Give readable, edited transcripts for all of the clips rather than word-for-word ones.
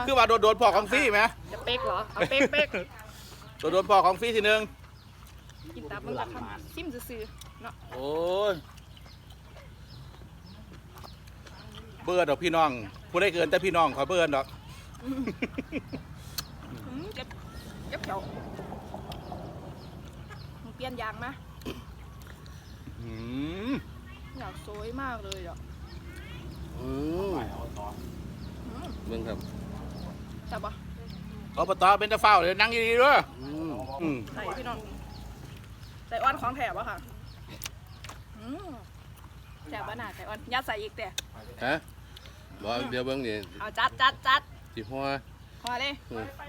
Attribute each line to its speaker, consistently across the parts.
Speaker 1: คือว่าโดนพ่อของฟรีไหม
Speaker 2: จะเป๊กเหรอเอาเป๊กเป๊ก
Speaker 1: โดนพ่อของฟรีทีนึง
Speaker 2: กินตับมันจะทำซิมซื่อๆเนาะ
Speaker 1: โอ้ยเบื่อดอกพี่น้องผู้ได้เกินแต่พี่น้องขอเบื่อดอก
Speaker 2: เก็บเขียวมึงเปลี่ยนยางไหม
Speaker 1: อืม
Speaker 2: อยากสวยมากเลยอ่ะ
Speaker 3: เบิ่งครับ
Speaker 2: จับปะ
Speaker 1: อบตเป็นตะเฝ้าเลยนั่งดีๆด้วยอืม
Speaker 2: ใส่พี่น้องใส่อ้อนของแถบอะค่ะแถบบ้านหนาใส่อ้อนยัดใส่อีกแต่
Speaker 3: ฮะบอกเดี๋ยวเบิ่งนี่
Speaker 2: เอาจัด
Speaker 3: สิหัว
Speaker 2: พอเลย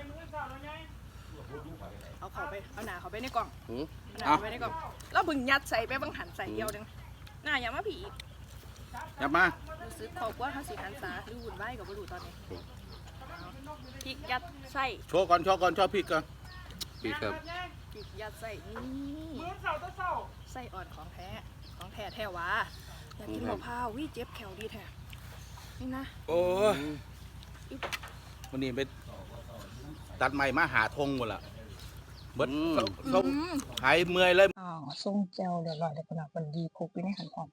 Speaker 2: เอาเขาไปเอาหนาเขาไปในกล่อง
Speaker 3: หือ
Speaker 2: เอาหนาเขาไปในกล่องแล้วบึงยัดใส่ไปบังหันใส่เดียวนึงหน้าอย่ามาผีอีก
Speaker 1: ยับมา
Speaker 2: รู้สึกขอบว่าเขาสีหันษาหรือหุ่นไหวกับบรูตอนนี้พริกยัดใส่
Speaker 1: โชว์ก่อนชอบพริกก่อน
Speaker 3: ปีครับ
Speaker 2: พริกยัดใส่นี่ใส่อ่อนของแท้แท้วะอยากกินมะพร้าววิเจ็บแขวดีแท้นี่นะ
Speaker 1: โอ้ยวันนี้ไปตัดใหม่มาหาทงหมดละเบิดเขาหายเมื่อยเลย
Speaker 2: ส่งแจวเดี๋ยวรอเดี๋ยวก่อนวันดีคุกไปในหันอ่อน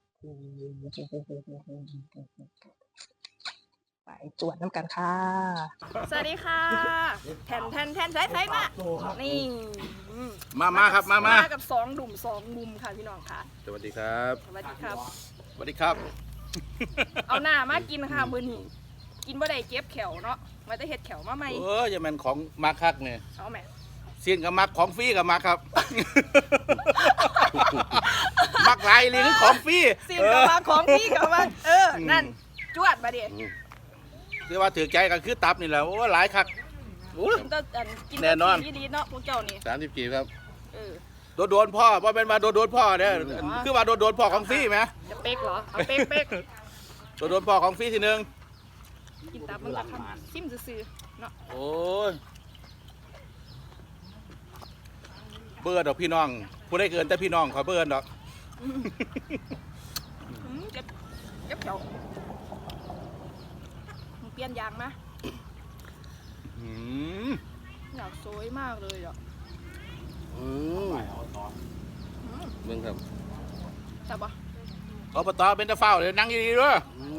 Speaker 2: ไปจวดน้ำกันค่ะสวัสดีค่ะแทนใช้มานี่
Speaker 1: มาครับมา
Speaker 2: กับสองดุ่มสองมุมค่ะพี่น้องค่ะ
Speaker 1: สวัสดีครับ
Speaker 2: สวัสดีครับ
Speaker 1: สวัสดีครับ
Speaker 2: เอาหน้ามากินค่ะมื้อนี้กินบ่ได้เก็บแขวเนาะมาแต่เฮ็ดแขวมาใหม่
Speaker 1: จะเป็นของมาคักเนี่ย
Speaker 2: เอาแม่
Speaker 1: เสียนกับมักของฟรีกับมักครับ มักหลายเลยคือของฟรี
Speaker 2: สิ่งกับมาของพี่กับมานั่นจวดมาดิ
Speaker 1: คือว่าถือใจกันคือตับนี่แหละโอ้หลายคักโอ้
Speaker 2: กิน
Speaker 1: แน่นอน
Speaker 2: ดีเนาะพวกเจ้านี่
Speaker 3: 30กีบครับ
Speaker 1: โดนพ่อว่าเป็นมาโดนพ่อเนี่ยคือว่าโดนพ่อของฟรีไหม
Speaker 2: จะเป๊กเหรอเอาเป๊ก
Speaker 1: โดนพ่อของฟรีทีนึง
Speaker 2: กินตับมันจะทำซิมซื่อๆเนาะ
Speaker 1: โอ้ยเบื่อดอกพี่น้องผู้ได้เกินแต่พี่น้องขอเบื่อดอก
Speaker 2: เก็บเขียวมึงเปลี่ยนยางไหม
Speaker 1: อืม
Speaker 2: อยากสวยมากเลยอ่ะ
Speaker 3: เบิ่งครับ
Speaker 2: จับปะ
Speaker 1: อบตเป็นตะเฝ้าเลยนั่งดีๆด้วย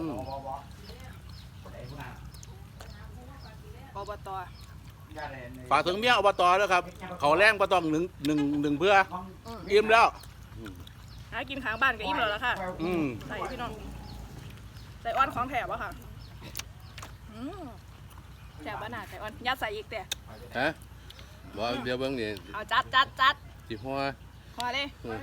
Speaker 2: อบต
Speaker 1: ฝากถึงเมียอบตด้วยครับเขาแรงก็ต้องหนึ่งเพื่ออิ่มแล้ว
Speaker 2: หากินข้างบ้านก็อิ่มแล้วล่ะค่ะ ใส่พี่น้องใส่อ้อนของแถบอะค่ะแถบบ้านหนาใส่อ้อนยัดใส่อีกแต่
Speaker 3: ฮะบอกเดี๋ยวเบิ่งนี่
Speaker 2: เอาจัด
Speaker 3: สิหัว
Speaker 2: พอเลย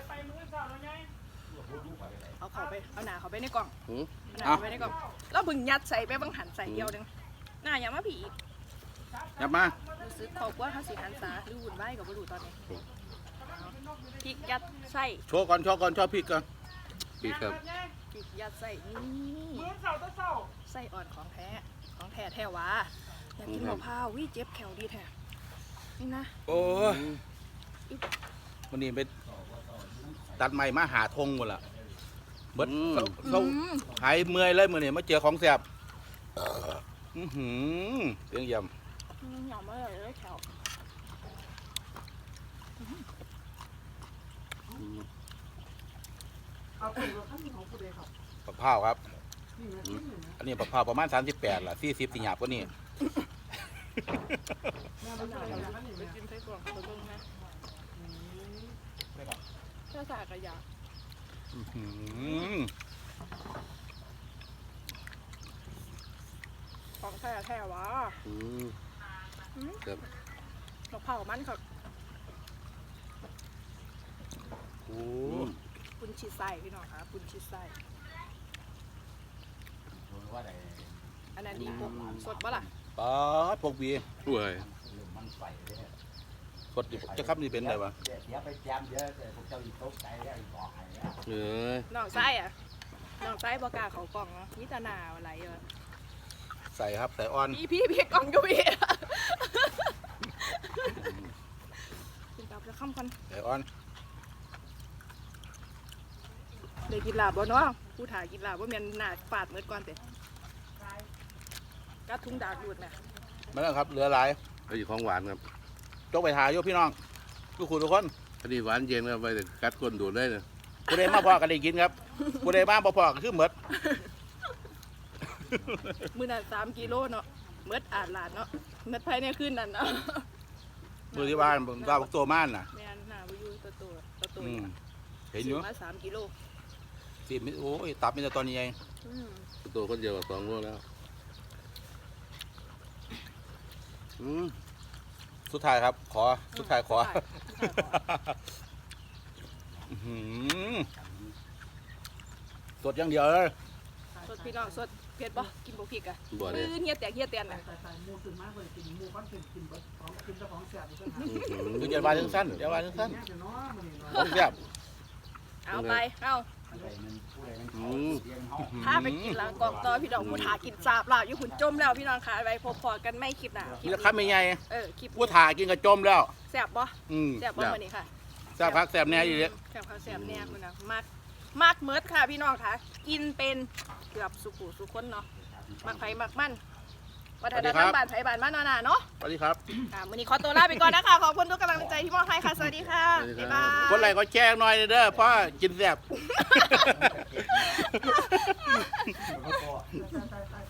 Speaker 2: เอาเขาไปเอาหนาเขาไปในกล่อง
Speaker 3: หือ
Speaker 2: เอาหนาเขาไปในกล่องแล้วบึงยัดใส่ไปบังหันใส่เดียวนึงหน้าอย่ามาผีอีก
Speaker 1: ยับมา
Speaker 2: รู้สึกขอบว่าเขาสีหันษาหรือหุ่นไหวกับบรูตอนนี้พริกยัดใส่
Speaker 1: โชว์ก่อนชอบพริกก่อน
Speaker 3: ปีครับ
Speaker 2: พริกยัดใส่นี่ใส่อ่อนของแท้แท้วะอยากกินมะพร้าววิเจ็บแขวดีแท้นี่นะ
Speaker 1: โอ้ยวันนี้ไปตัดใหม่มาหาทงหมดละเบิดเขาหายเมื่อยเลยมื่อนี้มาเจอของแสบเสียงย
Speaker 2: หยอมมาเลยแขว
Speaker 1: ำปะพร้าวครับอันนี้ปะพร้าวประมาณ38ล่ะ40สิหยาบกว่านี่
Speaker 2: ไปกินไส้กรอกไปเบิ่งนะถ้าสากระยาของแท้วะ
Speaker 3: ครับ
Speaker 2: มะพร้าวมันค่ะ
Speaker 1: โอ้
Speaker 2: ปุนชีไส้พี่น้องค่ะปุนชีไส้อันนั้นดีปุ๊บสดปะล่ะ
Speaker 1: ป๊าดพวกบี
Speaker 3: ป่วย
Speaker 1: สดจะครับนี่เป็นอะไรวะ
Speaker 3: เออ
Speaker 2: น้องไส้อะน้องไส้บอกล้าเขากล่องเนาะมิตรนาอะไรเออ
Speaker 1: ใส่ครับใส่อ่อน
Speaker 2: พี่กล่องก็พี่กินตับจะข้ามกัน
Speaker 1: ใส่อ่อน
Speaker 2: เดี๋ยวกินลาบบ่เนาะผู้ถ่ายกินลาบว่าเมียนหนาฝาดเมื่อก่อนเตะกัดทุ่งดากดูดนะ
Speaker 1: มาแล้วครับเหลือหลาย
Speaker 3: เอาอยู่ของหวานครับ
Speaker 1: จกไปหาโยพี่น้องทุกคนทุกคน
Speaker 3: อันนี้หวานเย็นครับไปแต่กัดก้นดูดได้เลย
Speaker 1: ผู้ใดมาพอกันได้กินครับผู้ใดมาบ่พอก็คือหมด
Speaker 2: มื้อนั้น3กิโลเนาะเมิดอาดลาดเนาะเมิดภายในคืนนั้นเนาะ
Speaker 1: มือที่บ้านผมว่าบักตัวม่านน่ะ
Speaker 2: แม่นหน้าบ่อยู่ตัว
Speaker 1: อืมเห็นอยู่
Speaker 2: ซื้มา3กิโล
Speaker 1: สิโอ้ยตับมีแต่ตอนนี้เอง
Speaker 2: อืม
Speaker 3: ตัวคนเดียวกับ2 โลแล้วอืม
Speaker 1: สุดท้ายครับ ขอสุดท้ายขอ
Speaker 2: สุดท้ายขอ
Speaker 1: อื้อหือสดอย่างเดียวเลย
Speaker 2: สดพี่น้องสดเผ็ดบ่กินบ่พริกอ่ะ
Speaker 3: บ่ได้
Speaker 2: เฮียแตกเฮียแตนน่ะ
Speaker 1: คืออย่าว่าจังสั้นอย่าว่าจังสั้นของแซ่บ
Speaker 2: เอาไปเอา
Speaker 3: อืม
Speaker 2: พาไปกินหลังกองต่อพี่น้องผู้ถากินสาบลาบอยู่หุ่นจมแล้วพี่น้องค่ะไปพบพอกันไม่คลิปหน้า
Speaker 1: มีราคาไม่ใหญ่
Speaker 2: คลิป
Speaker 1: ผู้ถ่ากินกระจมแล้ว
Speaker 2: แซ่บบ่
Speaker 1: อืม
Speaker 2: แซ่บบ่มื้อนี้ค่ะ
Speaker 1: แซ่บพักแซ่บแน่อยู่เลย
Speaker 2: แซ่บข้าวแซ่บแน่คุณนะมากเมิดค่ะพี่น้องค่ะ กินเป็นเกือบสุขุสุคนเนาะมักไผมักมันวัฒนธรรมบ้านไผบ้านมันนาเนาะ
Speaker 1: สวัสดีครับ
Speaker 2: มื้อนี้ขอตัวลาไปก่อนนะคะขอบคุณทุกกำลังใจที่มอบให้ค่ะสวัสดีค่ะบ๊ายบาย
Speaker 1: กดไลค์กดแชร์หน่อยเด้อเพราะกินแซ่บ
Speaker 4: แล้วก็